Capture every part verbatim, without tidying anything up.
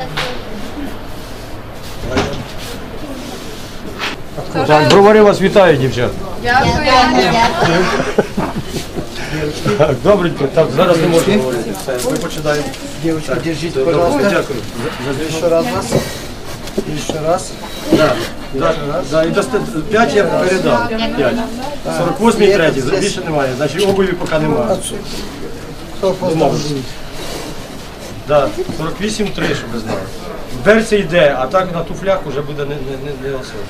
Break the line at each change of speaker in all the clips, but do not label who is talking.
Так, бровари вас вітаю, дівчат.
Дякую.
Так, добренько, так, зараз не можна говорити. Все, ми починаємо.
Девочки, держите, пожалуйста.
Дякую.
Еще раз вас. Еще раз.
Да, да, да, і дасте п'ять я передав. п'ять. сорок восьмий третій, більше немає, значить обуві поки немає. Домовились. Да, сорок вісім три, щоб ви знали. В берці йде, а так на туфлях вже буде не, не, не, не особо.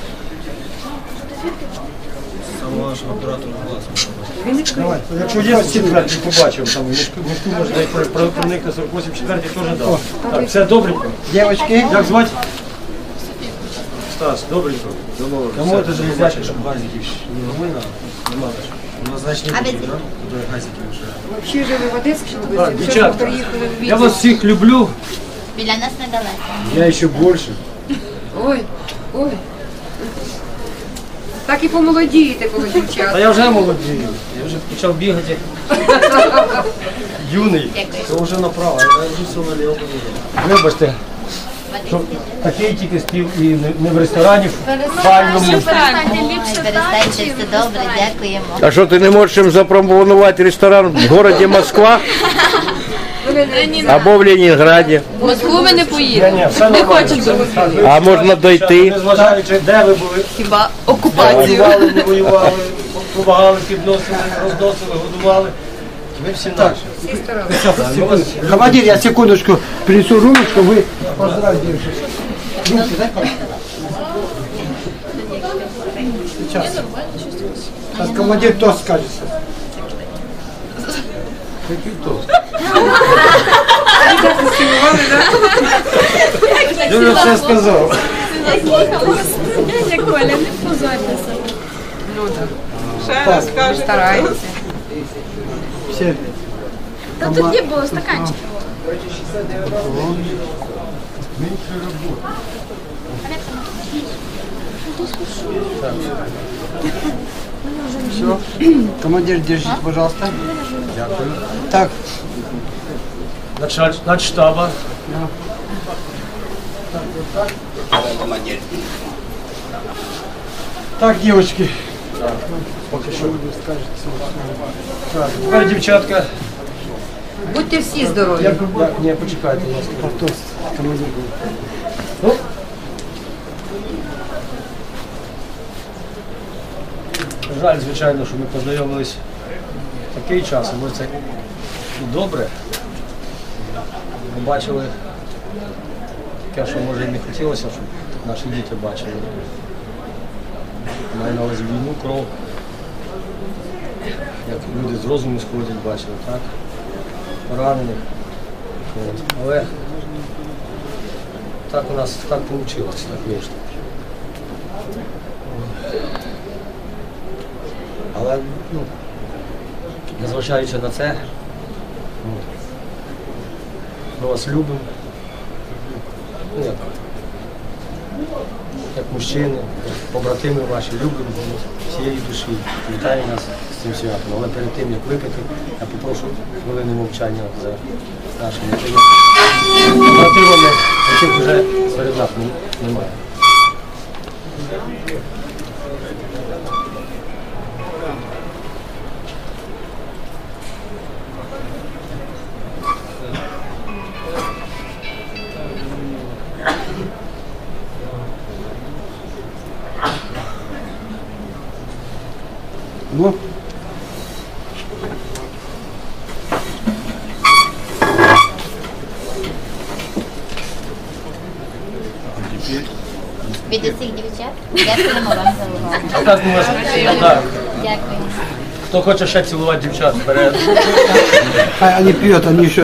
Сам ваш оператор власне. Давай, якщо є четвертий, побачив, там мішку може дай проникне сорок вісім, четвертий теж дав. Так, все добренько.
Девочки.
Як звати? Стас, добренько. Домовились. Кому це железячка, щоб газиків не новина? Нема ж. У нас значить не буде, так? Туди газиків вже.
Вообще жили в Одесській
Так,
області,
дівчатка,
приїхали в
я вас всіх люблю.
Біля нас недалеко.
Я ще більше.
Ой, ой. Так і помолодієте, коли
Та
дівчата.
я вже молодію. Я вже почав бігати. Юний. Це вже направо, я вже все наліво. Вибачте, що такий тільки спів і не- не в ресторані, в файному.
Перестайте, все добре, дякуємо.
А що, ти не можеш їм запропонувати ресторан в місті Москва або в Ленінграді?
В Москву ми не
Ні,
поїдемо.
ні, все нормально.
хочемо.
Так, ви-
А можна дойти?
Незважаючи, де ви були,
Хіба окупацію.
воювали, не воювали, допомагали, підносили, розносили, годували. Ми всі наші.
Всі старалися.
Ми вас
Командир, я секундочку принесу румочку, вы поздравьте девушек. Румки, дай, пожалуйста. Сейчас. Сейчас командир тост скажет.
Який тост? Я вже все сказав.
Так,
Стараємося.
все.
Та тут не було стаканчиків.
Все. Командир, держите, пожалуйста.
Дякую.
Так,
Началь, начштаба.
так, девочки.
Поки що. Так, тепер дівчатка.
Будьте всі здорові.
Я, я, ні, почекайте, будь ласка.
Тост, командир.
Ну, жаль, звичайно, що ми познайомились в такий час, але це і добре. Ми бачили таке, що може і не хотілося, щоб наші діти бачили. Маю на увазі війну, кров. Як люди з розуму сходять, бачили, так? Поранених. От. Але так у нас так вийшло, так вийшло. Але, ну, незважаючи на це, от, ми вас любимо. Ну, як, як мужчини, як побратими ваші, любимо всієї душі. Вітаю нас з цим святом. Але перед тим, як випити, я попрошу хвилини мовчання за нашими побратимами, яких вже серед нас немає.
Ну,
Від усіх дівчат дякуємо вам за увагу.
А так ми вас так.
Дякуємо.
Хто хоче ще цілувати дівчат, вперед.
а они пьют, они еще